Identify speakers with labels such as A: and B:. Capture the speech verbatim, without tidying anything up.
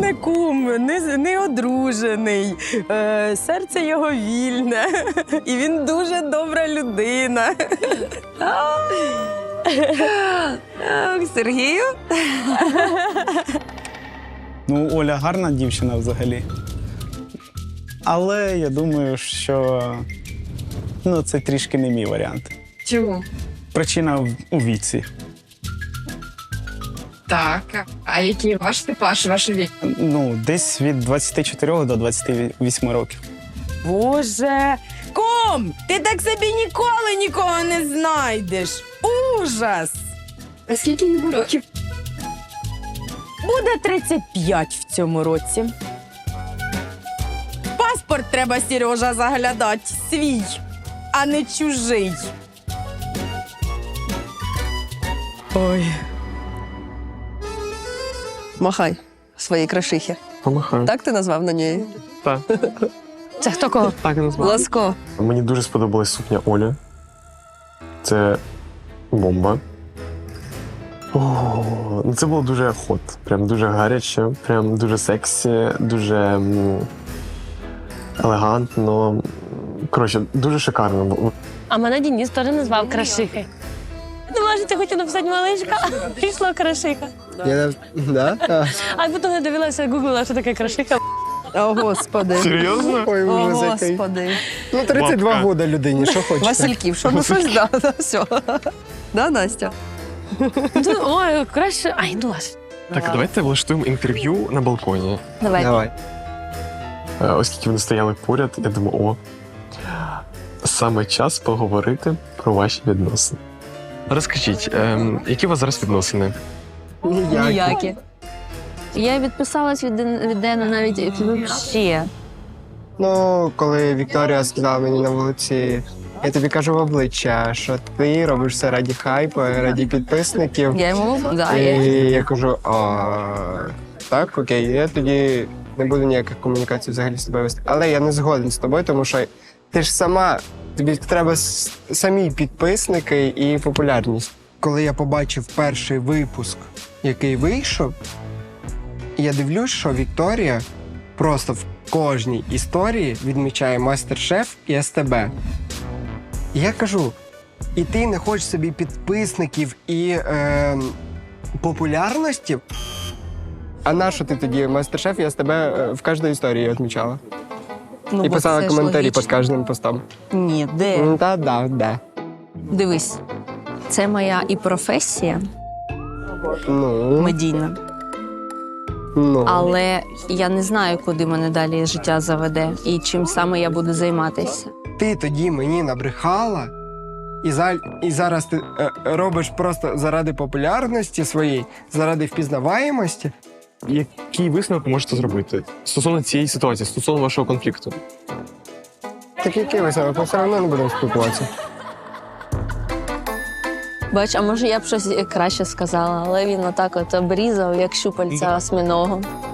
A: мене кум, не, не одружений, е, серце його вільне, і він дуже добра людина.
B: Сергію?
C: Ну, Оля гарна дівчина взагалі. Але я думаю, що ну, це трішки не мій варіант.
B: Чому?
C: Причина в- у віці.
B: Так. А який ваш типаж, ваш вік?
C: Ну, десь від двадцяти чотирьох до двадцяти восьми років.
A: Боже, кум, ти так собі ніколи нікого не знайдеш. Ужас!
B: А скільки йому років?
A: Буде тридцять п'ять в цьому році. Паспорт треба, Сережа, заглядати свій, а не чужий. Ой.
D: Махай своїй крашихі.
E: Помахаю.
D: Так ти назвав на неї?
E: Так.
D: Це хто кого?
E: Так і назвав.
D: Ласко.
E: Мені дуже сподобалась сукня Олі. Це бомба. О, ну це було дуже хот. Прям дуже гаряче, прям дуже сексі, дуже м, елегантно. Коротше, дуже шикарно було.
F: А мене Денис теж назвав Крашихи. Думала, що ти хотів написати малишка, а прийшла Крашиха.
G: Я, да? А.
F: А потім я дивилася, гуглила, що таке Крашиха.
D: О, Господи.
E: Серйозно?
G: Ой,
D: О,
G: ужас який.
D: Господи.
G: Ну, тридцять два
E: Бабка.
G: года людині, що хочете.
D: Васильків, що ну щось, да, да, все. Да, Настя?
F: Ну, ой, краще. Ай, ну ладно.
E: Так, давайте влаштуємо інтерв'ю на балконі.
F: Давай.
G: Давай.
E: Е, Оскільки вони стояли поряд, я думаю, о, саме час поговорити про ваші відносини. Розкажіть, ем, які у вас зараз відносини?
D: Ніякі.
H: Я відписалась від, Ден- від Дена навіть взагалі.
G: Ну, коли Вікторія сказала мені на вулиці, я тобі кажу в обличчя, що ти робиш все раді хайпу, раді підписників.
D: Я йому, да,
G: І
D: я.
G: я кажу, а так, окей, я тоді не буду ніяких комунікацій взагалі з тобою вести. Але я не згоден з тобою, тому що ти ж сама, тобі треба с- самі підписники і популярність. Коли я побачив перший випуск, який вийшов, я дивлюсь, що Вікторія просто в кожній історії відмічає Мастер-Шеф і СТБ. І я кажу, і ти не хочеш собі підписників і е, популярності? А на що ти тоді Мастер-Шеф і СТБ е, в кожній історії відмічала?
D: Ну,
G: І
D: бо
G: писала
D: це ж
G: коментарі
D: логічно.
G: під кожним постом.
D: Ні, де?
G: Ну, Та, да, да.
H: Дивись, це моя і професія
G: Ну,
H: медійна,
G: ну.
H: але я не знаю, куди мене далі життя заведе і чим саме я буду займатися.
G: Ти тоді мені набрехала, і, за, і зараз ти е, робиш просто заради популярності своєї, заради впізнаваємості.
E: Який висновок ви можете зробити стосовно цієї ситуації, стосовно вашого конфлікту?
G: Так який висновок? Ми все одно не будемо спілкуватися.
H: Бач, а може я б щось краще сказала, але він отак от обрізав, як щупальця осьминого.